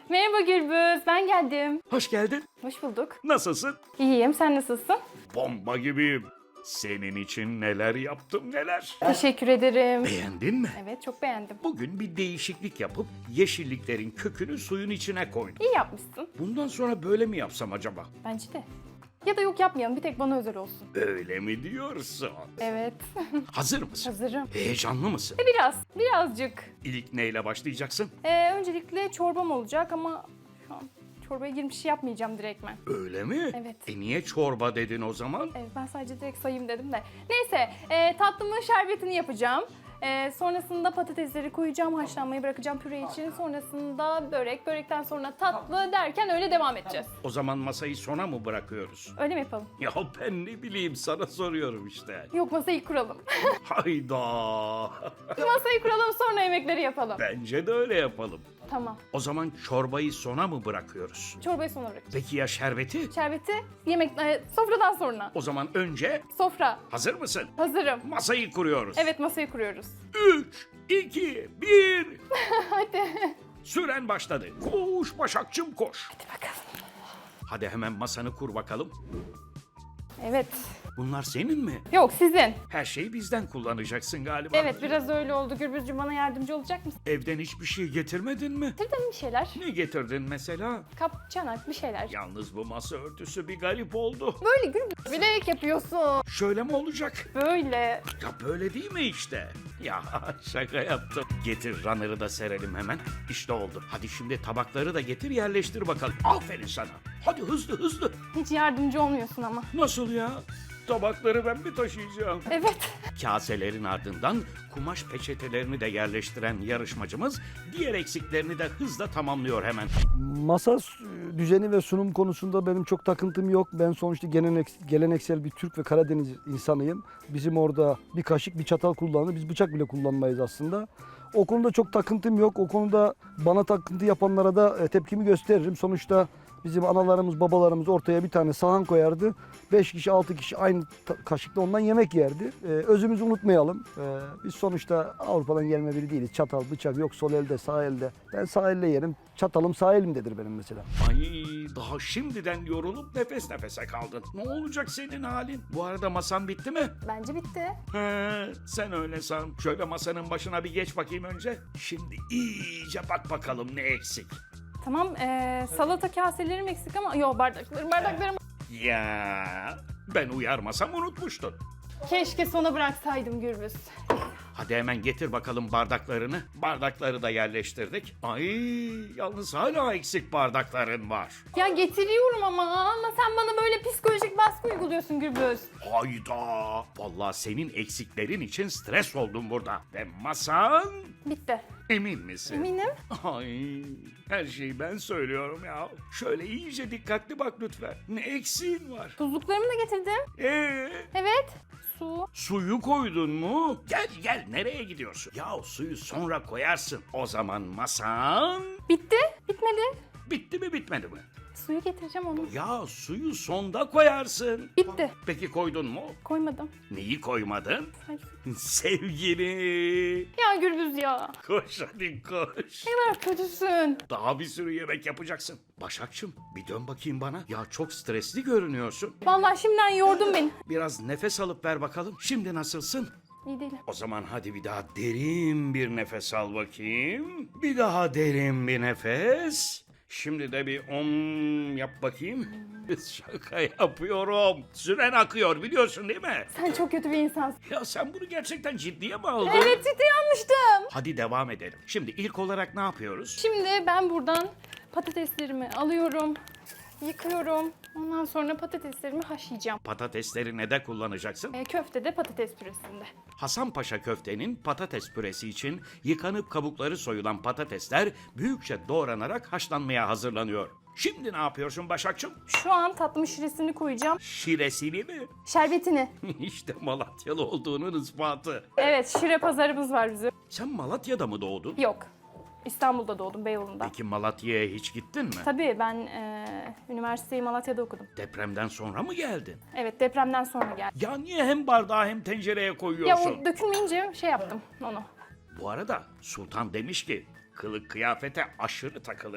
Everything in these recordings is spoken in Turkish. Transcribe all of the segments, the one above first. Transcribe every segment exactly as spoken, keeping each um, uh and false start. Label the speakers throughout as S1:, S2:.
S1: Merhaba Gürbüz, ben geldim.
S2: Hoş geldin.
S1: Hoş bulduk.
S2: Nasılsın?
S1: İyiyim, sen nasılsın?
S2: Bomba gibiyim. Senin için neler yaptım neler.
S1: Teşekkür ederim.
S2: Beğendin mi?
S1: Evet, çok beğendim.
S2: Bugün bir değişiklik yapıp yeşilliklerin kökünü suyun içine koydum.
S1: İyi yapmışsın.
S2: Bundan sonra böyle mi yapsam acaba?
S1: Bence de. Ya da yok yapmayalım, bir tek bana özel olsun.
S2: Öyle mi diyorsun?
S1: Evet,
S2: Hazır mısın?
S1: hazırım.
S2: Heyecanlı mısın?
S1: Biraz, birazcık.
S2: İlk neyle başlayacaksın?
S1: Ee, öncelikle çorbam olacak ama şu an çorbaya girmiş yapmayacağım direktmen.
S2: Öyle mi?
S1: Evet.
S2: E niye çorba dedin o zaman?
S1: Evet, ben sadece direkt sayayım dedim de. Neyse, e, tatlımın şerbetini yapacağım. E, sonrasında patatesleri koyacağım, haşlanmayı bırakacağım püre için. Sonrasında börek, börekten sonra tatlı derken öyle devam edeceğiz.
S2: O zaman masayı sona mı bırakıyoruz?
S1: Öyle mi yapalım?
S2: Ya ben ne bileyim sana soruyorum işte.
S1: Yok, masayı kuralım.
S2: Hayda.
S1: Masayı kuralım, sonra yemekleri yapalım.
S2: Bence de öyle yapalım.
S1: Tamam.
S2: O zaman çorbayı sona mı bırakıyoruz?
S1: Çorbayı sonra bırakacağız.
S2: Peki ya şerbeti?
S1: Şerbeti yemek, e, sofradan sonra.
S2: O zaman önce
S1: Sofra.
S2: hazır mısın?
S1: Hazırım.
S2: Masayı kuruyoruz.
S1: Evet, masayı kuruyoruz.
S2: üç, iki, bir.
S1: Hadi.
S2: Süren başladı. Koş Başakçım koş.
S1: Hadi bakalım.
S2: Hadi hemen masanı kur bakalım.
S1: Evet.
S2: Bunlar senin mi?
S1: Yok, sizin.
S2: Her şeyi bizden kullanacaksın galiba.
S1: Evet, biraz öyle oldu. Gürbüzcüğüm, bana yardımcı olacak mısın?
S2: Evden hiçbir şey getirmedin mi?
S1: Getirdin bir şeyler.
S2: Ne getirdin mesela?
S1: Kap, çanak, bir şeyler.
S2: Yalnız bu masa örtüsü bir garip oldu.
S1: Böyle Gürbüz. Bilerek yapıyorsun.
S2: Şöyle mi olacak?
S1: Böyle.
S2: Ya böyle değil mi işte? Ya şaka yaptım. Getir runner'ı da serelim hemen. İşte oldu. Hadi şimdi tabakları da getir yerleştir bakalım. Aferin sana. Hadi hızlı hızlı.
S1: Hiç yardımcı olmuyorsun ama.
S2: Nasıl ya? Tabakları ben mi taşıyacağım?
S1: Evet.
S2: Kaselerin ardından kumaş peçetelerini de yerleştiren yarışmacımız diğer eksiklerini de hızla tamamlıyor hemen.
S3: Masa düzeni ve sunum konusunda benim çok takıntım yok. Ben sonuçta gelenek- geleneksel bir Türk ve Karadeniz insanıyım. Bizim orada bir kaşık bir çatal kullanılır. Biz bıçak bile kullanmayız aslında. O konuda çok takıntım yok. O konuda bana takıntı yapanlara da e, tepkimi gösteririm. Sonuçta bizim analarımız, babalarımız ortaya bir tane sahan koyardı. Beş kişi, altı kişi aynı ta- kaşıkla ondan yemek yerdi. Ee, özümüzü unutmayalım. Ee, biz sonuçta Avrupa'dan gelme biri değiliz. Çatal, bıçak yok sol elde, sağ elde. Ben sağ elle yerim. Çatalım sağ elimdedir benim mesela.
S2: Ay daha şimdiden yorulup nefes nefese kaldın. Ne olacak senin halin? Bu arada masan bitti mi?
S1: Bence bitti.
S2: He, sen öyle san. Şöyle masanın başına bir geç bakayım önce. Şimdi iyice bak bakalım ne eksik.
S1: Tamam, ee, salata kaselerim eksik ama... Yok, bardaklarım, bardaklarım.
S2: Ya ben uyarmasam unutmuştun.
S1: Keşke sona bıraksaydım Gürbüz.
S2: Hadi hemen getir bakalım bardaklarını. Bardakları da yerleştirdik. Ay yalnız hala eksik bardakların var.
S1: Ya getiriyorum ama, ama sen bana böyle psikolojik baskı uyguluyorsun Gürbüz.
S2: Hayda. Vallahi senin eksiklerin için stres oldum burada. Ve masan
S1: Bitti.
S2: emin misin?
S1: Eminim.
S2: Ay her şeyi ben söylüyorum ya. Şöyle iyice dikkatli bak lütfen. Ne eksiğin var?
S1: Tuzluklarımı da getirdim.
S2: Ee,
S1: Evet. Su.
S2: suyu koydun mu? Gel gel nereye gidiyorsun? Ya suyu sonra koyarsın. O zaman masan
S1: Bitti. Bitmedi.
S2: bitti mi bitmedi mi?
S1: Suyu getireceğim onu.
S2: Ya suyu sonda koyarsın.
S1: Bitti.
S2: Peki koydun mu?
S1: Koymadım.
S2: Neyi koymadın?
S1: Sadece-
S2: Sevgini.
S1: Ya Gürbüz ya.
S2: Koş hadi koş.
S1: Ne kadar kötüsün.
S2: Daha bir sürü yemek yapacaksın. Başakçım bir dön bakayım bana. Ya çok stresli görünüyorsun.
S1: Vallahi şimdiden yordun beni.
S2: Biraz nefes alıp ver bakalım. Şimdi nasılsın?
S1: İyi değilim.
S2: O zaman hadi bir daha derin bir nefes al bakayım. Bir daha derin bir nefes. Şimdi de bir om yap bakayım. Şaka yapıyorum. Süren akıyor biliyorsun değil mi?
S1: Sen çok kötü bir insansın.
S2: Ya sen bunu gerçekten ciddiye mi aldın?
S1: Evet, ciddi yanlıştım.
S2: Hadi devam edelim. Şimdi ilk olarak ne yapıyoruz?
S1: Şimdi ben buradan patateslerimi alıyorum. Yıkıyorum. Ondan sonra patateslerimi haşlayacağım.
S2: Patatesleri ne de kullanacaksın?
S1: E, köfte de patates püresinde.
S2: Hasanpaşa köftenin patates püresi için yıkanıp kabukları soyulan patatesler büyükçe doğranarak haşlanmaya hazırlanıyor. Şimdi ne yapıyorsun Başakçım?
S1: Şu an tatlımın şiresini koyacağım.
S2: Şiresini mi?
S1: Şerbetini.
S2: İşte Malatyalı olduğunun ispatı.
S1: Evet, şire pazarımız var bizim.
S2: Sen Malatya'da mı doğdun?
S1: Yok. İstanbul'da doğdum, Beyoğlu'nda.
S2: Peki Malatya'ya hiç gittin mi?
S1: Tabii ben e, üniversiteyi Malatya'da okudum.
S2: Depremden sonra mı geldin?
S1: Evet, depremden sonra geldim.
S2: Ya niye hem bardağı hem tencereye
S1: Ya
S2: koyuyorsun?
S1: o dökülmeyince şey yaptım onu.
S2: Bu arada Sultan demiş ki kılık kıyafete aşırı takılırım.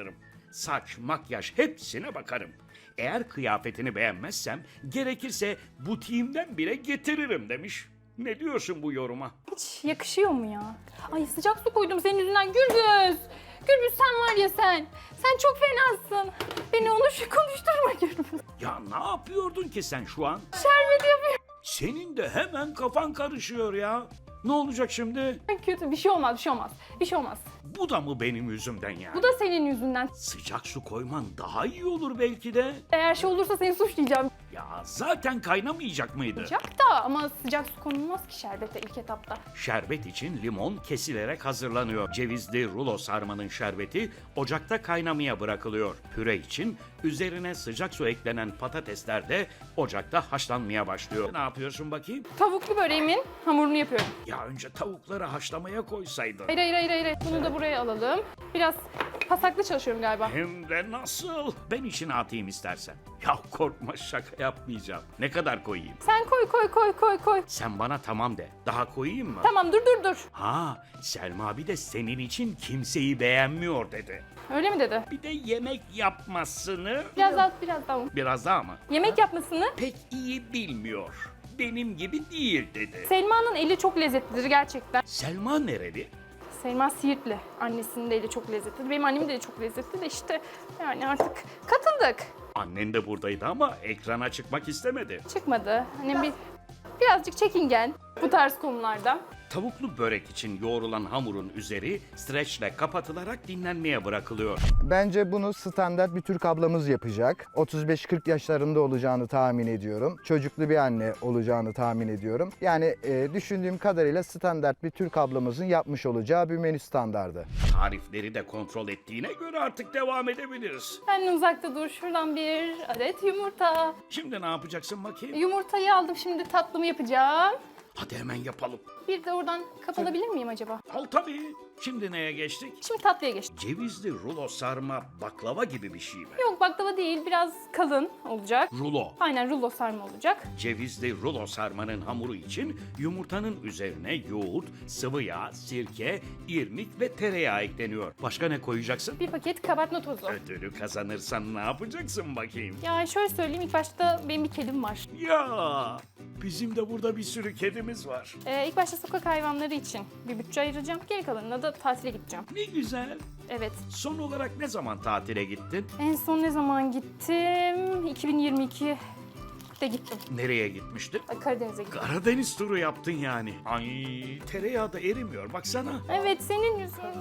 S2: saç, makyaj hepsine bakarım. Eğer kıyafetini beğenmezsem gerekirse butiğimden bile getiririm demiş. Ne diyorsun bu yoruma?
S1: Hiç yakışıyor mu ya? Ay sıcak su koydum senin yüzünden Gürbüz. Gürbüz sen var ya sen. Sen çok fenasın. Beni onu şu konuşturma Gürbüz.
S2: Ya ne yapıyordun ki sen şu an?
S1: Şerbet yapıyor.
S2: Senin de hemen kafan karışıyor ya. Ne olacak şimdi?
S1: Kötü bir şey olmaz bir şey olmaz. Bir şey olmaz.
S2: Bu da mı benim yüzümden yani?
S1: Bu da senin yüzünden.
S2: Sıcak su koyman daha iyi olur belki de.
S1: Eğer şey olursa seni suçlayacağım.
S2: Ya zaten kaynamayacak mıydı?
S1: Sıcak da ama sıcak su konulmaz ki şerbete ilk etapta.
S2: Şerbet için limon kesilerek hazırlanıyor. Cevizli rulo sarmanın şerbeti ocakta kaynamaya bırakılıyor. Püre için üzerine sıcak su eklenen patatesler de ocakta haşlanmaya başlıyor. Ne yapıyorsun bakayım?
S1: Tavuklu böreğimin hamurunu yapıyorum.
S2: Ya önce tavukları haşlamaya koysaydın.
S1: Hayır hayır hayır hayır. Bunu da buraya alalım. Biraz pasaklı çalışıyorum galiba.
S2: Hem de nasıl? Ben içine atayım istersen. Ya korkma, şaka yapmayacağım. Ne kadar koyayım?
S1: Sen koy koy koy koy koy.
S2: Sen bana tamam de. Daha koyayım mı?
S1: Tamam dur dur dur.
S2: Ha, Selma bir de senin için kimseyi beğenmiyor dedi.
S1: Öyle mi dedi?
S2: Bir de yemek yapmasını
S1: Biraz daha biraz daha.
S2: biraz daha mı?
S1: Yemek yapmasını
S2: Pek iyi bilmiyor. Benim gibi değil dedi.
S1: Selma'nın eli çok lezzetlidir gerçekten.
S2: Selma nereli?
S1: Selma Siirtli. Annesinin de eli çok lezzetli. Benim annemin de eli çok lezzetli de işte yani artık katıldık.
S2: Annen de buradaydı ama ekrana çıkmak istemedi.
S1: Çıkmadı. Annem bir birazcık çekingen bu tarz konularda.
S2: Tavuklu börek için yoğrulan hamurun üzeri streçle kapatılarak dinlenmeye bırakılıyor.
S4: Bence bunu standart bir Türk ablamız yapacak. otuz beş kırk yaşlarında olacağını tahmin ediyorum. Çocuklu bir anne olacağını tahmin ediyorum. Yani e, düşündüğüm kadarıyla standart bir Türk ablamızın yapmış olacağı bir menü standardı.
S2: Tarifleri de kontrol ettiğine göre artık devam edebiliriz.
S1: Benden uzakta dur. Şuradan bir adet yumurta.
S2: Şimdi ne yapacaksın bakayım?
S1: Yumurtayı aldım şimdi tatlımı yapacağım.
S2: Hadi hemen yapalım.
S1: Bir de oradan kapatabilir miyim acaba?
S2: Al tabii. Şimdi neye geçtik?
S1: Şimdi tatlıya geçtim.
S2: Cevizli rulo sarma baklava gibi bir şey mi?
S1: Yok baklava değil biraz kalın olacak.
S2: Rulo.
S1: Aynen rulo sarma olacak.
S2: Cevizli rulo sarmanın hamuru için yumurtanın üzerine yoğurt, sıvı yağ, sirke, irmik ve tereyağı ekleniyor. Başka ne koyacaksın?
S1: Bir paket kabartma tozu.
S2: Ödülü kazanırsan ne yapacaksın bakayım?
S1: Ya şöyle söyleyeyim ilk başta benim bir kedim var.
S2: Ya bizim de burada bir sürü kedimiz var.
S1: Ee, ilk başta sokak hayvanları için bir bütçe ayıracağım. Geri kalanına da tatile gideceğim.
S2: Ne güzel.
S1: Evet.
S2: Son olarak ne zaman tatile gittin?
S1: En son ne zaman gittim? iki bin yirmi ikide gittim.
S2: Nereye gitmiştin?
S1: Ay, Karadeniz'e gittim.
S2: Karadeniz turu yaptın yani. Ay tereyağı da erimiyor baksana.
S1: Evet senin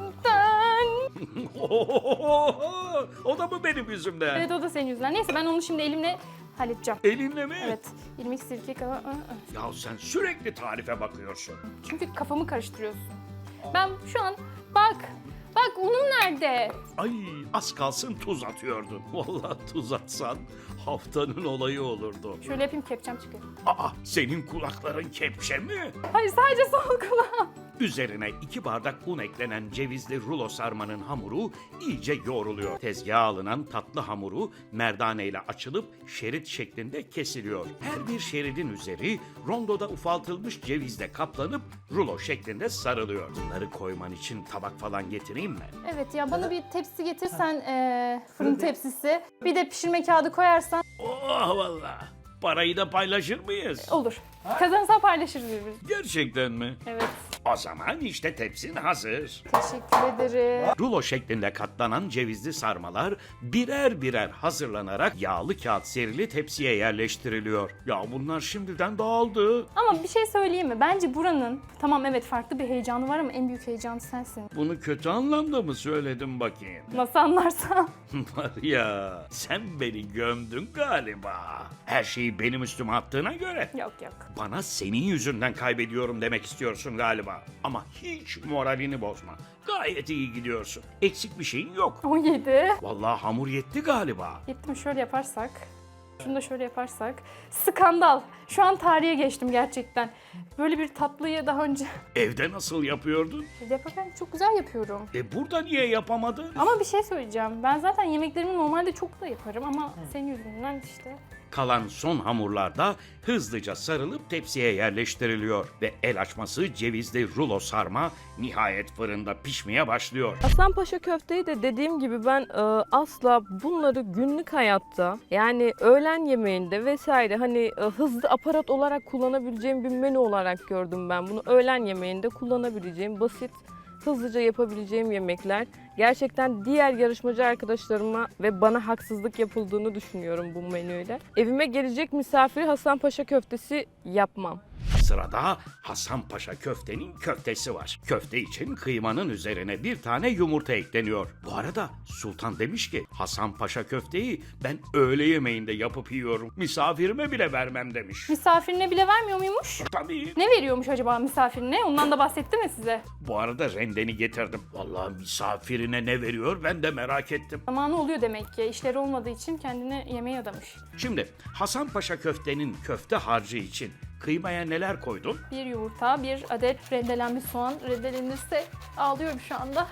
S1: yüzünden.
S2: O da mı benim yüzümden?
S1: Evet o da senin yüzünden. Neyse ben onu şimdi elimle halledeceğim.
S2: Elinle mi?
S1: Evet. irmik sirke kava. ı, ı.
S2: Ya sen sürekli tarife bakıyorsun.
S1: Çünkü kafamı karıştırıyorsun. Ben şu an bak. Bak unum nerede?
S2: Ay az kalsın tuz atıyordun. Vallahi tuz atsan haftanın olayı olurdu.
S1: Şöyle yapayım kepçem çıkıyor.
S2: Aa senin kulakların kepçe mi?
S1: Hayır sadece sol kulağım.
S2: Üzerine iki bardak un eklenen cevizli rulo sarmanın hamuru iyice yoğruluyor. Tezgaha alınan tatlı hamuru merdane ile açılıp şerit şeklinde kesiliyor. Her bir şeridin üzeri rondoda ufaltılmış cevizle kaplanıp rulo şeklinde sarılıyor. Bunları koyman için tabak falan getireyim mi?
S1: Evet ya bana bir tepsi getirsen eee, fırın tepsisi. Bir de pişirme kağıdı koyarsan
S2: Oh vallahi. Parayı da paylaşır mıyız?
S1: olur. Kazanırsan paylaşırız birbirimiz.
S2: Gerçekten mi?
S1: Evet.
S2: O zaman işte tepsin hazır.
S1: Teşekkür ederim.
S2: Rulo şeklinde katlanan cevizli sarmalar birer birer hazırlanarak yağlı kağıt serili tepsiye yerleştiriliyor. Ya bunlar şimdiden dağıldı.
S1: Ama bir şey söyleyeyim mi? Bence buranın tamam evet farklı bir heyecanı var ama en büyük heyecanı sensin.
S2: Bunu kötü anlamda mı söyledim bakayım?
S1: Nasıl anlarsan.
S2: Var ya sen beni gömdün galiba. Her şeyi benim üstüme attığına göre.
S1: Yok yok.
S2: Bana senin yüzünden kaybediyorum demek istiyorsun galiba. Ama hiç moralini bozma. Gayet iyi gidiyorsun. Eksik bir şeyin yok.
S1: on yedi.
S2: Vallahi hamur yetti galiba.
S1: Yetti mi şöyle yaparsak. Şunu da şöyle yaparsak. Skandal. Şu an tarihe geçtim gerçekten. Böyle bir tatlıyı daha önce
S2: Evde nasıl yapıyordun?
S1: yaparken çok güzel yapıyorum.
S2: E burada niye yapamadın?
S1: Ama bir şey söyleyeceğim. Ben zaten yemeklerimi normalde çok da yaparım ama senin yüzünden işte
S2: Kalan son hamurlar da hızlıca sarılıp tepsiye yerleştiriliyor ve el açması cevizli rulo sarma nihayet fırında pişmeye başlıyor.
S5: Hasanpaşa köfteyi de dediğim gibi ben e, asla bunları günlük hayatta yani öğlen yemeğinde vesaire hani e, hızlı aparat olarak kullanabileceğim bir menü olarak gördüm ben bunu. Öğlen yemeğinde kullanabileceğim basit, hızlıca yapabileceğim yemekler. Gerçekten diğer yarışmacı arkadaşlarıma ve bana haksızlık yapıldığını düşünüyorum bu menüyle. Evime gelecek misafiri Hasanpaşa köftesi yapmam.
S2: Sırada Hasanpaşa köftenin köftesi var. Köfte için kıymanın üzerine bir tane yumurta ekleniyor. Bu arada Sultan demiş ki Hasanpaşa köfteyi ben öğle yemeğinde yapıp yiyorum. Misafirime bile vermem demiş.
S1: Misafirine bile vermiyor muymuş?
S2: Tabii.
S1: Ne veriyormuş acaba misafirine? Ondan da bahsetti mi size?
S2: Bu arada rendeni getirdim. Vallahi misafirine ne veriyor ben de merak ettim.
S1: Zamanı oluyor demek ki. İşleri olmadığı için kendine yemeğe adamış.
S2: Şimdi Hasanpaşa köftenin köfte harcı için kıymaya neler koydun?
S1: Bir yumurta, bir adet rendelenmiş soğan. Rendelenirse ağlıyorum şu anda.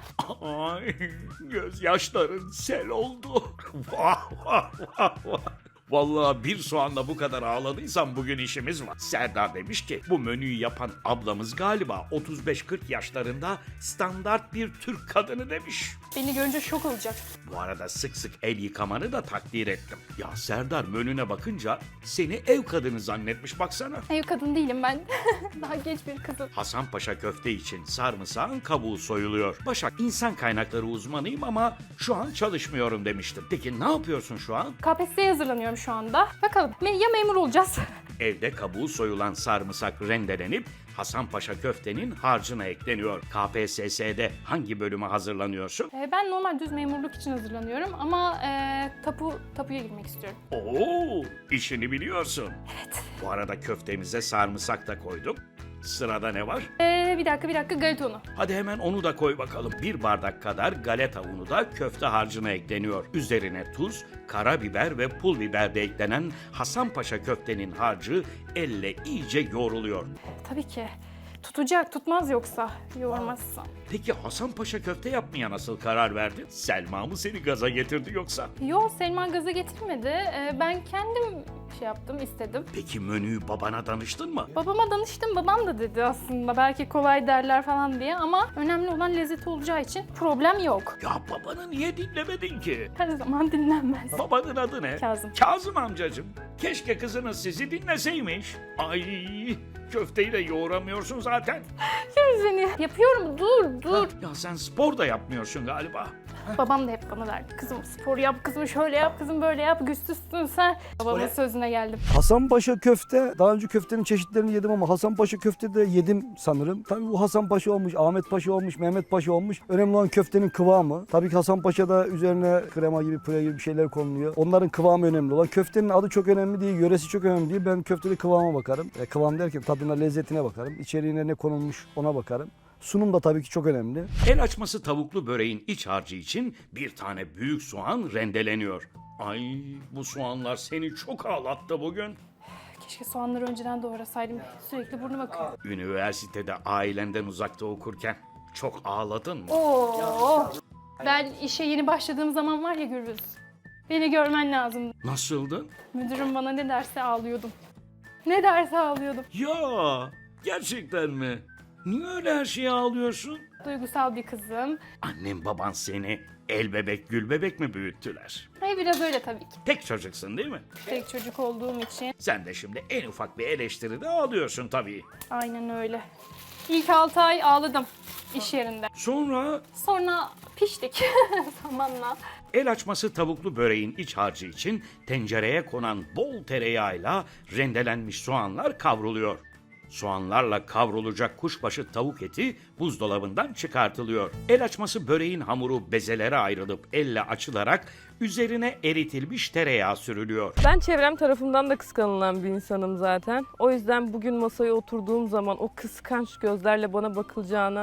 S2: Ay gözyaşların sel oldu. Vah vah vah vah. Vallahi bir soğanla bu kadar ağladıysam bugün işimiz var. Serdar demiş ki bu menüyü yapan ablamız galiba otuz beş kırk yaşlarında standart bir Türk kadını demiş.
S1: Beni görünce şok olacak.
S2: Bu arada sık sık el yıkamanı da takdir ettim. Ya Serdar menüne bakınca seni ev kadını zannetmiş baksana.
S1: Ev kadın değilim ben. Daha genç bir kızım.
S2: Hasanpaşa köfte için sarımsağın kabuğu soyuluyor. Başak insan kaynakları uzmanıyım ama şu an çalışmıyorum demiştim. Peki ne yapıyorsun şu an?
S1: K P S S'ye hazırlanıyorum şu anda. Bakalım me- ya memur olacağız.
S2: Evde kabuğu soyulan sarımsak rendelenip Hasanpaşa köftenin harcına ekleniyor. K P S S'de hangi bölüme hazırlanıyorsun?
S1: Ee, ben normal düz memurluk için hazırlanıyorum ama e, tapu tapuya girmek istiyorum.
S2: Oo, işini biliyorsun. Evet. Bu arada köftemize sarımsak da koyduk. Sırada ne var?
S1: Ee, bir dakika bir dakika galeta unu.
S2: Hadi hemen onu da koy bakalım. Bir bardak kadar galeta unu da köfte harcına ekleniyor. Üzerine tuz, karabiber ve pul biber de eklenen Hasanpaşa köftenin harcı elle iyice yoğruluyor.
S1: Tabii ki. Tutacak, tutmaz yoksa yoğurmazsam.
S2: Peki Hasanpaşa köfte yapmaya nasıl karar verdin? Selma mı seni gaza getirdi yoksa?
S1: Yo, Selma gaza getirmedi. Ee, ben kendim şey yaptım, istedim.
S2: Peki menüyü babana danıştın mı?
S1: Babama danıştım, babam da dedi aslında belki kolay derler falan diye ama önemli olan lezzeti olacağı için problem yok.
S2: Ya babanı niye dinlemedin ki?
S1: Her zaman dinlenmez.
S2: Babanın adı ne?
S1: Kazım.
S2: Kazım amcacığım. Keşke kızınız sizi dinleseymiş. Ay köfteyi de yoğuramıyorsun zaten.
S1: Gör seni. Yapıyorum, dur dur.
S2: Ya sen spor da yapmıyorsun galiba.
S1: Babam da hep bana derdi. Kızım spor yap, kızım şöyle yap, kızım böyle yap, güçsüzsün sen. Babamın sözüne geldim.
S3: Hasanpaşa köfte, daha önce köftenin çeşitlerini yedim ama Hasanpaşa köfte de yedim sanırım. Tabii bu Hasanpaşa olmuş, Ahmet Paşa olmuş, Mehmet Paşa olmuş. Önemli olan köftenin kıvamı. Tabii ki Hasanpaşa'da üzerine krema gibi, püre gibi bir şeyler konuluyor. Onların kıvamı önemli olan. Köftenin adı çok önemli değil, yöresi çok önemli değil. Ben köftede kıvama bakarım. E, kıvam derken tadına, lezzetine bakarım. İçeriğine ne konulmuş ona bakarım. Sunum da tabii ki çok önemli.
S2: El açması tavuklu böreğin iç harcı için bir tane büyük soğan rendeleniyor. Ay bu soğanlar seni çok ağlattı bugün.
S1: Keşke soğanları önceden doğrasaydım. Sürekli burnum akıyor.
S2: Üniversitede ailenden uzakta okurken çok ağladın mı?
S1: Oo. Ben işe yeni başladığım zaman var ya Gürbüz. Beni görmen lazım.
S2: Nasıldın?
S1: Müdürüm bana ne derse ağlıyordum. Ne derse ağlıyordum.
S2: Ya gerçekten mi? Niye öyle her şeye ağlıyorsun?
S1: Duygusal bir kızım.
S2: Annem baban seni el bebek gül bebek mi büyüttüler?
S1: Hey, biraz öyle tabii ki.
S2: Tek çocuksun değil mi?
S1: Tek çocuk olduğum için.
S2: Sen de şimdi en ufak bir eleştiride ağlıyorsun tabii.
S1: Aynen öyle. İlk altı ay ağladım iş yerinde.
S2: Sonra
S1: Sonra piştik zamanla.
S2: el açması tavuklu böreğin iç harcı için tencereye konan bol tereyağıyla rendelenmiş soğanlar kavruluyor. Soğanlarla kavrulacak kuşbaşı tavuk eti buzdolabından çıkartılıyor. El açması böreğin hamuru bezelere ayrılıp elle açılarak üzerine eritilmiş tereyağı sürülüyor.
S5: Ben çevrem tarafından da kıskanılan bir insanım zaten. O yüzden bugün masaya oturduğum zaman o kıskanç gözlerle bana bakılacağına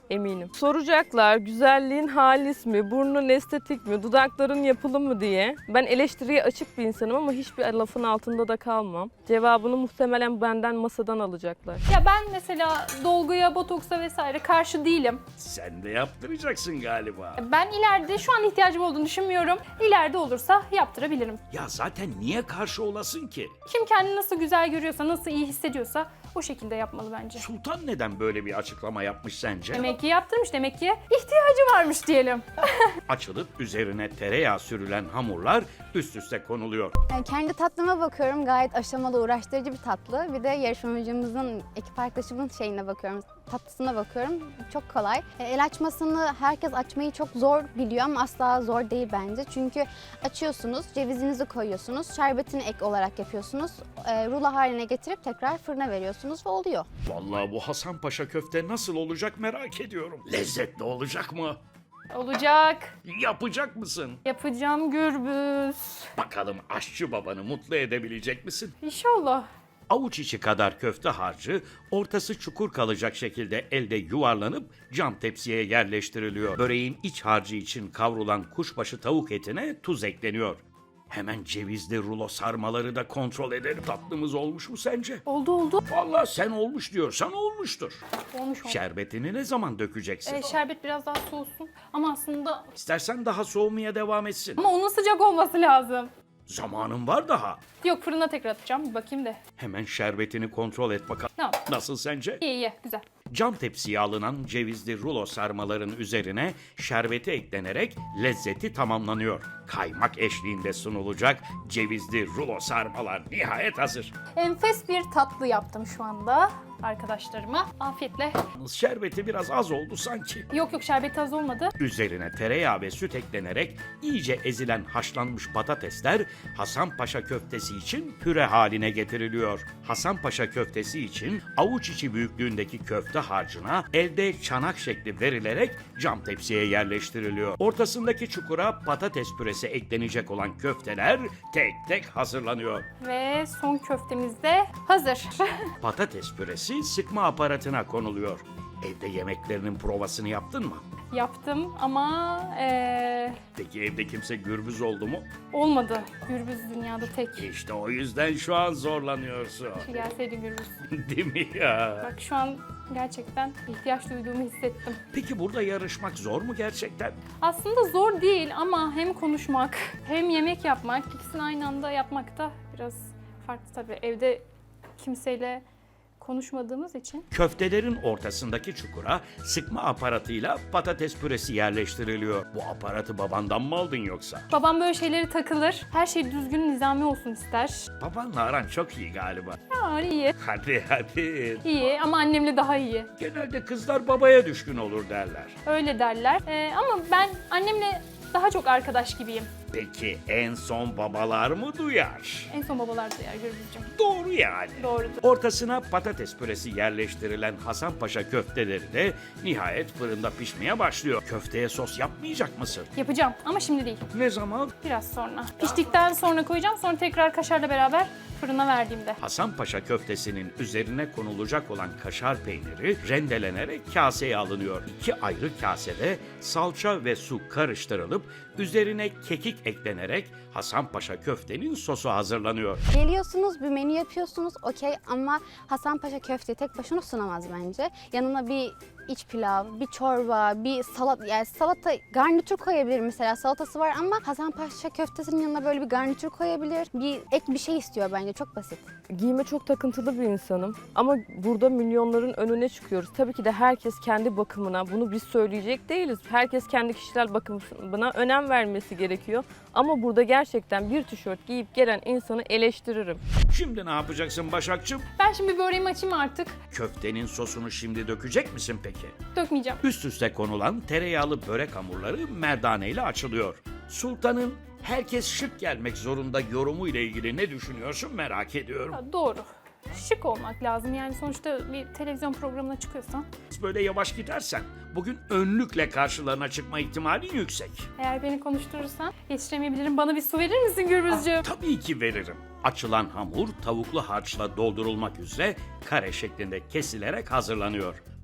S5: eminim. Soracaklar güzelliğin halis mi, burnun estetik mi, dudakların yapılı mı diye. Ben eleştiriye açık bir insanım ama hiçbir lafın altında da kalmam. Cevabını muhtemelen benden masadan alacaklar.
S1: Ya ben mesela dolguya, botoksa vesaire karşı değilim.
S2: Sen de yaptıracaksın galiba.
S1: Ben ileride şu an ihtiyacım olduğunu düşünmüyorum. İleride olursa yaptırabilirim.
S2: Ya zaten niye karşı olasın ki?
S1: Kim kendini nasıl güzel görüyorsa, nasıl iyi hissediyorsa o şekilde yapmalı bence.
S2: Sultan neden böyle bir açıklama yapmış sence?
S1: Demek ki yaptırmış, demek ki ihtiyacı varmış diyelim.
S2: Açılıp üzerine tereyağı sürülen hamurlar üst üste konuluyor.
S6: Yani kendi tatlıma bakıyorum. Gayet aşamalı, uğraştırıcı bir tatlı. Bir de yarışmacımızın, ekip arkadaşımın şeyine bakıyorum. Tatlısına bakıyorum. Çok kolay. E, El açmasını herkes açmayı çok zor biliyor ama asla zor değil bence. Çünkü açıyorsunuz, cevizinizi koyuyorsunuz, şerbetini ek olarak yapıyorsunuz. E, rulo haline getirip tekrar fırına veriyorsunuz ve oluyor.
S2: Vallahi bu Hasan Paşa köfte nasıl olacak merak ediyorum. Lezzetli olacak mı?
S1: Olacak.
S2: Yapacak mısın?
S1: Yapacağım Gürbüz.
S2: Bakalım aşçı babanı mutlu edebilecek misin?
S1: İnşallah.
S2: Avuç içi kadar köfte harcı ortası çukur kalacak şekilde elde yuvarlanıp cam tepsiye yerleştiriliyor. Böreğin iç harcı için kavrulan kuşbaşı tavuk etine tuz ekleniyor. Hemen cevizli rulo sarmaları da kontrol edelim. Tatlımız olmuş mu sence?
S1: Oldu oldu.
S2: Vallahi sen olmuş diyorsan olmuştur.
S1: Olmuş olmuş.
S2: Şerbetini ne zaman dökeceksin?
S1: E, şerbet biraz daha soğusun. Ama aslında...
S2: İstersen daha soğumaya devam etsin.
S1: Ama onun sıcak olması lazım.
S2: Zamanın var daha.
S1: Yok, fırına tekrar atacağım. Bir bakayım da.
S2: Hemen şerbetini kontrol et bakalım.
S1: Tamam.
S2: Nasıl sence?
S1: İyi iyi. Güzel.
S2: Cam tepsiye alınan cevizli rulo sarmaların üzerine şerbeti eklenerek lezzeti tamamlanıyor. Kaymak eşliğinde sunulacak cevizli rulo sarmalar nihayet hazır.
S1: Enfes bir tatlı yaptım şu anda arkadaşlarıma. Afiyetle.
S2: Yalnız şerbeti biraz az oldu sanki.
S1: Yok yok, şerbeti az olmadı.
S2: Üzerine tereyağı ve süt eklenerek iyice ezilen haşlanmış patatesler Hasanpaşa köftesi için püre haline getiriliyor. Hasanpaşa köftesi için avuç içi büyüklüğündeki köfte harcına elde çanak şekli verilerek cam tepsiye yerleştiriliyor. Ortasındaki çukura patates püresi eklenecek olan köfteler tek tek hazırlanıyor.
S1: Ve son köftemiz de hazır.
S2: Patates püresi sıkma aparatına konuluyor. Evde yemeklerinin provasını yaptın mı?
S1: Yaptım ama eee,
S2: Peki evde kimse gürbüz oldu mu?
S1: olmadı. Gürbüz dünyada tek.
S2: İşte o yüzden şu an zorlanıyorsun.
S1: Gelseydi Gürbüz.
S2: Değil mi ya?
S1: Bak şu an gerçekten ihtiyaç duyduğumu hissettim.
S2: Peki burada yarışmak zor mu gerçekten?
S1: Aslında zor değil ama hem konuşmak hem yemek yapmak, ikisini aynı anda yapmak da biraz farklı tabii. Evde kimseyle konuşmadığımız için.
S2: Köftelerin ortasındaki çukura sıkma aparatıyla patates püresi yerleştiriliyor. Bu aparatı babandan mı aldın yoksa?
S1: Babam böyle şeyleri takılır. Her şey düzgün, nizami olsun ister.
S2: Babanla aran çok iyi galiba.
S1: Ya iyi.
S2: Hadi hadi.
S1: İyi ama annemle daha iyi.
S2: Genelde kızlar babaya düşkün olur derler.
S1: Öyle derler. Ee, ama ben annemle daha çok arkadaş gibiyim.
S2: Peki en son babalar mı duyar?
S1: En son babalar duyar Gürbüzcüğüm.
S2: Doğru yani.
S1: Doğrudur.
S2: Ortasına patates püresi yerleştirilen Hasanpaşa köfteleri de nihayet fırında pişmeye başlıyor. Köfteye sos yapmayacak mısın?
S1: Yapacağım ama şimdi değil.
S2: Ne zaman?
S1: Biraz sonra. Piştikten sonra koyacağım. Sonra tekrar kaşarla beraber fırına verdiğimde.
S2: Hasanpaşa köftesinin üzerine konulacak olan kaşar peyniri rendelenerek kaseye alınıyor. İki ayrı kasede salça ve su karıştırılıp üzerine kekik eklenerek Hasanpaşa köftenin sosu hazırlanıyor.
S6: Geliyorsunuz, bir menü yapıyorsunuz, okey, ama Hasanpaşa köfteyi tek başına sunamaz bence. Yanına bir iç pilav, bir çorba, bir salat, yani salata, garnitür koyabilir mesela, salatası var ama Hasanpaşa köftesinin yanına böyle bir garnitür koyabilir. Bir ek bir şey istiyor bence, çok basit.
S5: Giyime çok takıntılı bir insanım ama burada milyonların önüne çıkıyoruz. Tabii ki de herkes kendi bakımına, bunu biz söyleyecek değiliz. Herkes kendi kişisel bakımına önem vermesi gerekiyor. Ama burada gerçekten bir tişört giyip gelen insanı eleştiririm.
S2: Şimdi ne yapacaksın Başakçığım?
S1: Ben şimdi böreğimi açayım artık.
S2: Köftenin sosunu şimdi dökecek misin peki?
S1: Dökmeyeceğim.
S2: Üst üste konulan tereyağlı börek hamurları merdane ile açılıyor. Sultan'ın herkes şık gelmek zorunda yorumu ile ilgili ne düşünüyorsun merak ediyorum.
S1: Ha, doğru. Şık olmak lazım yani sonuçta bir televizyon programına çıkıyorsan.
S2: Böyle yavaş gidersen bugün önlükle karşılarına çıkma ihtimalin yüksek.
S1: Eğer beni konuşturursan yetiştiremeyebilirim. Bana bir su verir misin Gürbüzcüğüm?
S2: Tabii ki veririm. Açılan hamur tavuklu harçla doldurulmak üzere kare şeklinde kesilerek hazırlanıyor.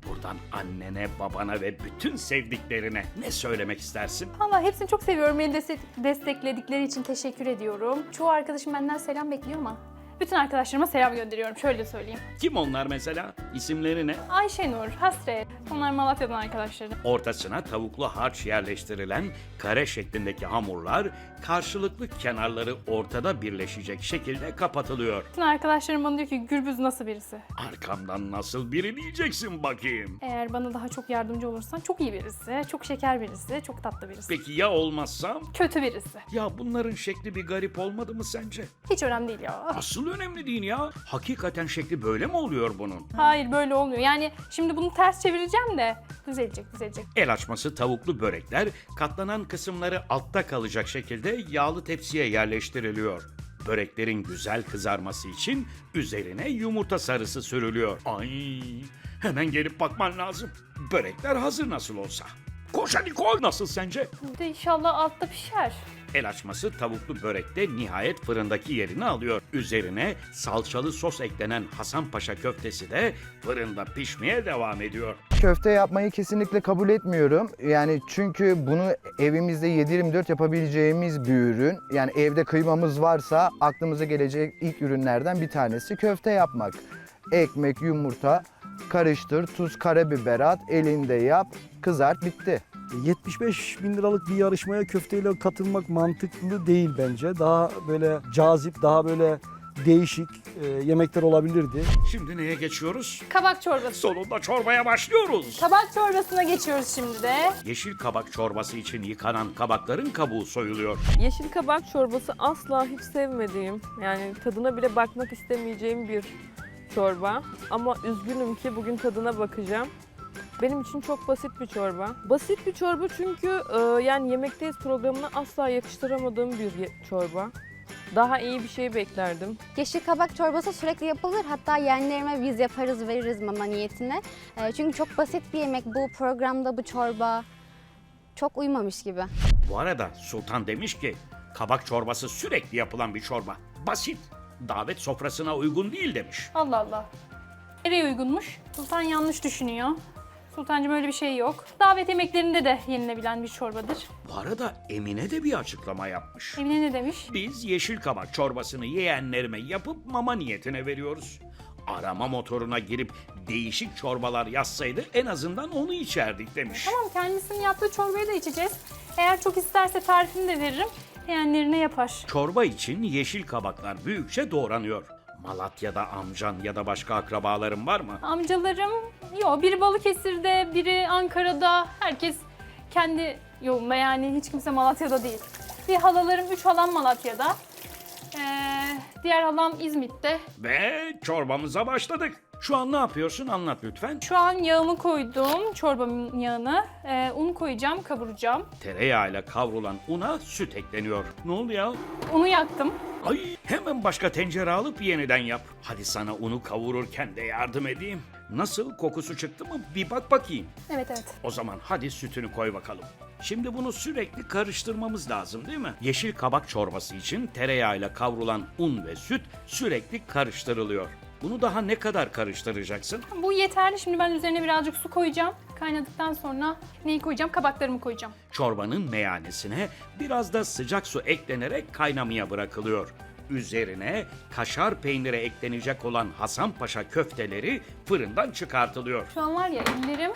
S2: Buradan annene, babana ve bütün sevdiklerine ne söylemek istersin?
S1: Valla hepsini çok seviyorum. Beni destek- destekledikleri için teşekkür ediyorum. Çoğu arkadaşım benden selam bekliyor ama bütün arkadaşlarıma selam gönderiyorum. Şöyle söyleyeyim.
S2: Kim onlar mesela? İsimleri ne?
S1: Ayşenur, Hasret. Onlar Malatya'dan arkadaşlarım.
S2: Ortasına tavuklu harç yerleştirilen kare şeklindeki hamurlar karşılıklı kenarları ortada birleşecek şekilde kapatılıyor.
S1: Bütün arkadaşlarım bana diyor ki Gürbüz nasıl birisi?
S2: Arkamdan nasıl biri diyeceksin bakayım.
S1: Eğer bana daha çok yardımcı olursan çok iyi birisi, çok şeker birisi, çok tatlı birisi.
S2: Peki ya olmazsam?
S1: Kötü birisi.
S2: Ya bunların şekli bir garip olmadı mı sence?
S1: Hiç önemli değil ya.
S2: Asıl önemli değil ya. Hakikaten şekli böyle mi oluyor bunun?
S1: Hayır böyle olmuyor. Yani şimdi bunu ters çevireceğim de düzelecek düzelecek.
S2: El açması tavuklu börekler katlanan kısımları altta kalacak şekilde yağlı tepsiye yerleştiriliyor. Böreklerin güzel kızarması için üzerine yumurta sarısı sürülüyor. Ay, hemen gelip bakman lazım. Börekler hazır nasıl olsa. Koş hadi koy. Nasıl sence?
S1: Bir de inşallah altta pişer.
S2: El açması tavuklu börekte nihayet fırındaki yerini alıyor. Üzerine salçalı sos eklenen Hasanpaşa köftesi de fırında pişmeye devam ediyor.
S4: Köfte yapmayı kesinlikle kabul etmiyorum. Yani çünkü bunu evimizde yedi yirmi dört yapabileceğimiz bir ürün. Yani evde kıymamız varsa aklımıza gelecek ilk ürünlerden bir tanesi köfte yapmak. Ekmek, yumurta, karıştır, tuz, karabiber at, elinde yap, kızart, bitti.
S3: yetmiş beş bin liralık bir yarışmaya köfteyle katılmak mantıklı değil bence. Daha böyle cazip, daha böyle değişik e, yemekler olabilirdi.
S2: Şimdi neye geçiyoruz?
S1: Kabak çorbası.
S2: Sonunda çorbaya başlıyoruz.
S1: Kabak çorbasına geçiyoruz şimdi de.
S2: Yeşil kabak çorbası için yıkanan kabakların kabuğu soyuluyor.
S5: Yeşil kabak çorbası asla hiç sevmediğim, yani tadına bile bakmak istemeyeceğim bir çorba. Ama üzgünüm ki bugün tadına bakacağım. Benim için çok basit bir çorba. Basit bir çorba çünkü e, yani Yemekteyiz programına asla yakıştıramadığım bir ye- çorba. Daha iyi bir şey beklerdim.
S6: Yeşil kabak çorbası sürekli yapılır. Hatta yeğenlerime biz yaparız veririz mama niyetine. Ee, çünkü çok basit bir yemek. Bu programda bu çorba çok uymamış gibi.
S2: Bu arada Sultan demiş ki kabak çorbası sürekli yapılan bir çorba. Basit. Davet sofrasına uygun değil demiş.
S1: Allah Allah. Nereye uygunmuş? Sultan yanlış düşünüyor. Sultancığım öyle bir şey yok. Davet yemeklerinde de yenilebilen bir çorbadır.
S2: Bu arada Emine de bir açıklama yapmış.
S1: Emine ne demiş?
S2: Biz yeşil kabak çorbasını yeğenlerime yapıp mama niyetine veriyoruz. Arama motoruna girip değişik çorbalar yazsaydı en azından onu içerdik demiş.
S1: Tamam kendisinin yaptığı çorbayı da içeceğiz. Eğer çok isterse tarifini de veririm. Yeğenlerine yapar.
S2: Çorba için yeşil kabaklar büyükçe doğranıyor. Malatya'da amcan ya da başka akrabaların var mı?
S1: Amcalarım, yok biri Balıkesir'de, biri Ankara'da. Herkes kendi yolunda yani hiç kimse Malatya'da değil. Bir halalarım, üç halam Malatya'da. Ee, diğer halam İzmit'te.
S2: Ve çorbamıza başladık. Şu an ne yapıyorsun anlat lütfen.
S1: Şu an yağımı koydum, çorbamın yağını. Ee, un koyacağım, kavuracağım.
S2: Tereyağıyla kavrulan una süt ekleniyor. Ne oldu ya?
S1: Unu yaktım.
S2: Ay hemen başka tencere alıp yeniden yap. Hadi sana unu kavururken de yardım edeyim. Nasıl, kokusu çıktı mı? Bir bak bakayım.
S1: Evet evet.
S2: O zaman hadi sütünü koy bakalım. Şimdi bunu sürekli karıştırmamız lazım değil mi? Yeşil kabak çorbası için tereyağıyla kavrulan un ve süt sürekli karıştırılıyor. Bunu daha ne kadar karıştıracaksın?
S1: Bu yeterli. Şimdi ben üzerine birazcık su koyacağım. Kaynadıktan sonra neyi koyacağım? Kabaklarımı koyacağım.
S2: Çorbanın meyanesine biraz da sıcak su eklenerek kaynamaya bırakılıyor. Üzerine kaşar peyniri eklenecek olan Hasanpaşa köfteleri fırından çıkartılıyor.
S1: Şu an var ya ellerim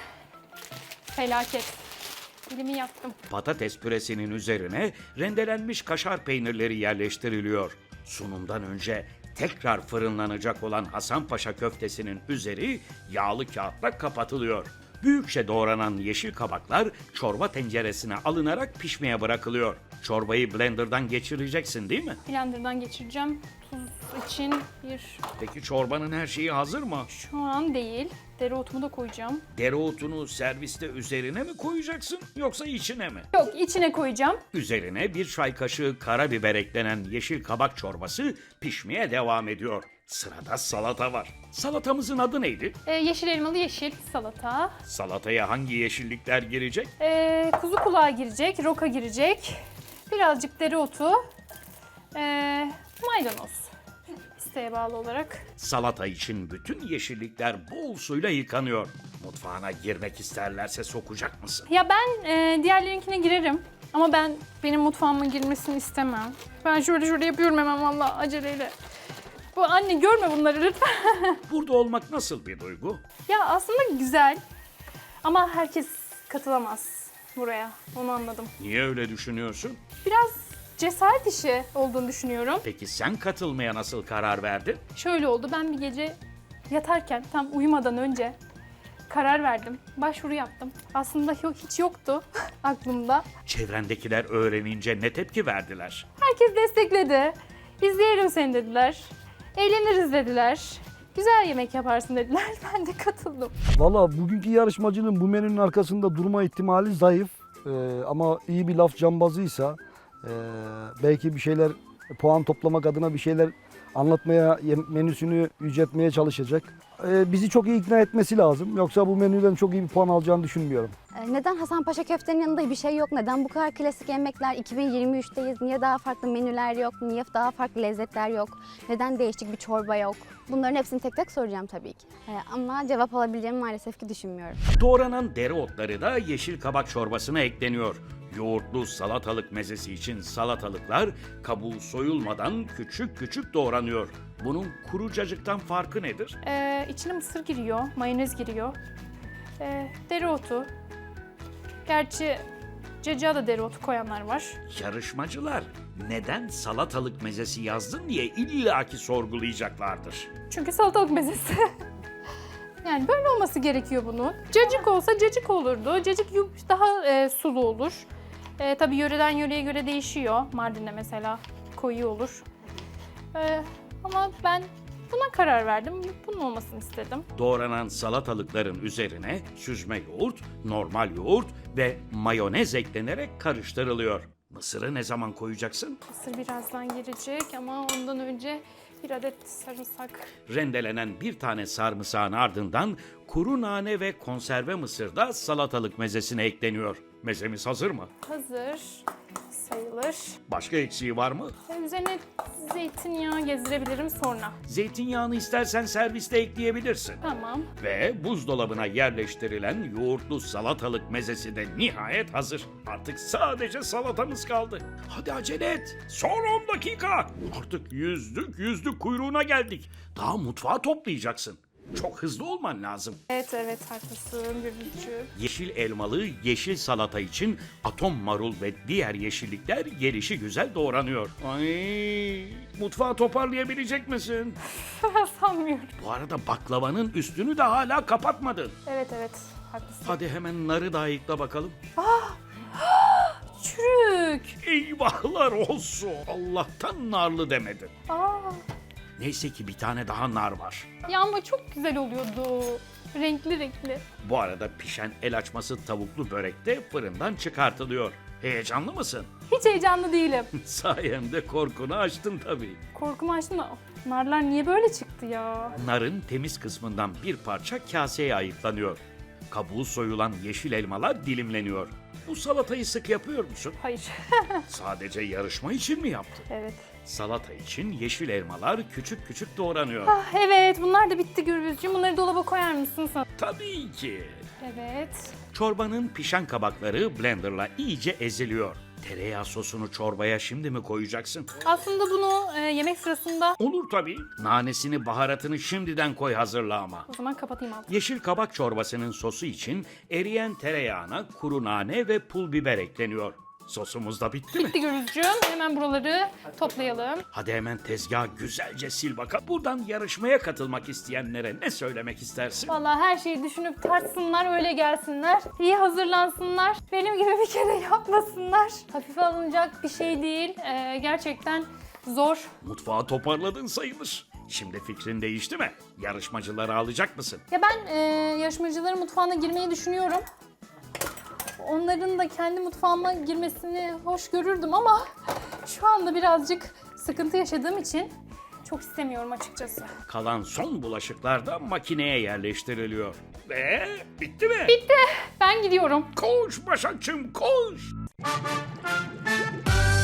S1: felaket. Elimi yaktım.
S2: Patates püresinin üzerine rendelenmiş kaşar peynirleri yerleştiriliyor. Sunumdan önce tekrar fırınlanacak olan Hasanpaşa köftesinin üzeri yağlı kağıtla kapatılıyor. Büyükçe doğranan yeşil kabaklar çorba tenceresine alınarak pişmeye bırakılıyor. Çorbayı blenderdan geçireceksin değil mi?
S1: Blender'dan geçireceğim. Tuz için bir...
S2: Peki çorbanın her şeyi hazır mı?
S1: Şu an değil. Dereotumu da koyacağım.
S2: Dereotunu serviste üzerine mi koyacaksın yoksa içine mi?
S1: Yok içine koyacağım.
S2: Üzerine bir çay kaşığı karabiber eklenen yeşil kabak çorbası pişmeye devam ediyor. Sırada salata var. Salatamızın adı neydi?
S1: Ee, yeşil elmalı yeşil salata.
S2: Salataya hangi yeşillikler girecek?
S1: Ee, kuzu kulağı girecek, roka girecek. Birazcık dereotu. Ee, maydanoz. İsteğe bağlı olarak.
S2: Salata için bütün yeşillikler bol suyla yıkanıyor. Mutfağına girmek isterlerse sokacak mısın?
S1: Ya ben e, diğerlerinkine girerim. Ama ben benim mutfağıma girmesini istemem. Ben şöyle şöyle yapıyorum hemen vallahi aceleyle. Bu anne görme bunları lütfen.
S2: Burada olmak nasıl bir duygu?
S1: Ya aslında güzel. Ama herkes katılamaz buraya. Onu anladım.
S2: Niye öyle düşünüyorsun?
S1: Biraz cesaret işi olduğunu düşünüyorum.
S2: Peki sen katılmaya nasıl karar verdin?
S1: Şöyle oldu. Ben bir gece yatarken tam uyumadan önce karar verdim. Başvuru yaptım. Aslında yok, hiç yoktu aklımda.
S2: Çevrendekiler öğrenince ne tepki verdiler?
S1: Herkes destekledi. İzleyelim seni dediler. Eğleniriz dediler. Güzel yemek yaparsın dediler. Ben de katıldım.
S3: Valla bugünkü yarışmacının bu menünün arkasında durma ihtimali zayıf. Ee, ama iyi bir laf cambazıysa e, belki bir şeyler puan toplamak adına bir şeyler anlatmaya, yem- menüsünü yüceltmeye çalışacak. Ee, bizi çok iyi ikna etmesi lazım. Yoksa bu menüden çok iyi bir puan alacağını düşünmüyorum.
S6: E, Neden Hasanpaşa köftenin yanında bir şey yok? Neden bu kadar klasik yemekler? iki bin yirmi üçteyiz. Niye daha farklı menüler yok? Niye daha farklı lezzetler yok? Neden değişik bir çorba yok? Bunların hepsini tek tek soracağım tabii ki. E, Ama cevap alabileceğimi maalesef ki düşünmüyorum.
S2: Doğranan dereotları da yeşil kabak çorbasına ekleniyor. Yoğurtlu salatalık mezesi için salatalıklar kabuğu soyulmadan küçük küçük doğranıyor. Bunun kuru cacıktan farkı nedir?
S1: Ee, içine mısır giriyor, mayonez giriyor. Ee, dereotu. Gerçi cacığa da dereotu koyanlar var.
S2: Yarışmacılar neden salatalık mezesi yazdın diye illaki sorgulayacaklardır.
S1: Çünkü salatalık mezesi. Yani böyle olması gerekiyor bunun. Cacık olsa cacık olurdu. Cacık yu- daha e, sulu olur. E, tabii yöreden yöreye göre değişiyor. Mardin'de mesela koyu olur. E, ama ben buna karar verdim. Bunun olmasını istedim.
S2: Doğranan salatalıkların üzerine süzme yoğurt, normal yoğurt ve mayonez eklenerek karıştırılıyor. Mısırı ne zaman koyacaksın?
S1: Mısır birazdan girecek ama ondan önce bir adet sarımsak.
S2: Rendelenen bir tane sarımsağın ardından kuru nane ve konserve mısır da salatalık mezesine ekleniyor. Mezemiz hazır mı?
S1: Hazır sayılır.
S2: Başka eksiği var mı?
S1: E, üzerine zeytinyağı gezdirebilirim sonra.
S2: Zeytinyağını istersen serviste ekleyebilirsin.
S1: Tamam.
S2: Ve buzdolabına yerleştirilen yoğurtlu salatalık mezesi de nihayet hazır. Artık sadece salatamız kaldı. Hadi acele et. Son on dakika. Artık yüzlük yüzlük kuyruğuna geldik. Daha mutfağı toplayacaksın. Çok hızlı olman lazım.
S1: Evet evet haklısın Gülücüğüm.
S2: Yeşil elmalı yeşil salata için atom marul ve diğer yeşillikler gelişi güzel doğranıyor. Ay, mutfağı toparlayabilecek misin?
S1: Sanmıyorum.
S2: Bu arada baklavanın üstünü de hala kapatmadın.
S1: Evet evet haklısın.
S2: Hadi hemen narı da ayıkla bakalım.
S1: Çürük.
S2: Eyvahlar olsun. Allah'tan narlı demedin.
S1: Aa.
S2: Neyse ki bir tane daha nar var.
S1: Ya ama çok güzel oluyordu. Renkli renkli.
S2: Bu arada pişen el açması tavuklu börek de fırından çıkartılıyor. Heyecanlı mısın?
S1: Hiç heyecanlı değilim.
S2: Sayemde korkunu açtın tabii.
S1: Korkumu açtım da narlar niye böyle çıktı ya?
S2: Narın temiz kısmından bir parça kaseye ayıklanıyor. Kabuğu soyulan yeşil elmalar dilimleniyor. Bu salatayı sık yapıyor musun?
S1: Hayır.
S2: Sadece yarışma için mi yaptın?
S1: Evet.
S2: Salata için yeşil elmalar küçük küçük doğranıyor.
S1: Ah, evet bunlar da bitti Gürbüzcüğüm. Bunları dolaba koyar mısın sen?
S2: Tabii ki.
S1: Evet.
S2: Çorbanın pişen kabakları blenderla iyice eziliyor. Tereyağı sosunu çorbaya şimdi mi koyacaksın?
S1: Aslında bunu e, yemek sırasında...
S2: Olur tabii. Nanesini, baharatını şimdiden koy hazırla ama.
S1: O zaman kapatayım altını.
S2: Yeşil kabak çorbasının sosu için eriyen tereyağına kuru nane ve pul biber ekleniyor. Sosumuz da bitti mi?
S1: Bitti Gürbüzcüğüm. Hemen buraları toplayalım.
S2: Hadi hemen tezgahı güzelce sil bakalım. Buradan yarışmaya katılmak isteyenlere ne söylemek istersin?
S1: Vallahi her şeyi düşünüp tartsınlar, öyle gelsinler. İyi hazırlansınlar. Benim gibi bir kere yapmasınlar. Hafife alınacak bir şey değil. Ee, gerçekten zor.
S2: Mutfağı toparladın sayılır. Şimdi fikrin değişti mi? Yarışmacıları alacak mısın?
S1: Ya ben e, yarışmacıların mutfağına girmeyi düşünüyorum. Onların da kendi mutfağıma girmesini hoş görürdüm ama şu anda birazcık sıkıntı yaşadığım için çok istemiyorum açıkçası.
S2: Kalan son bulaşıklar da makineye yerleştiriliyor. Ve bitti mi?
S1: Ben gidiyorum.
S2: Koş Başakçım koş.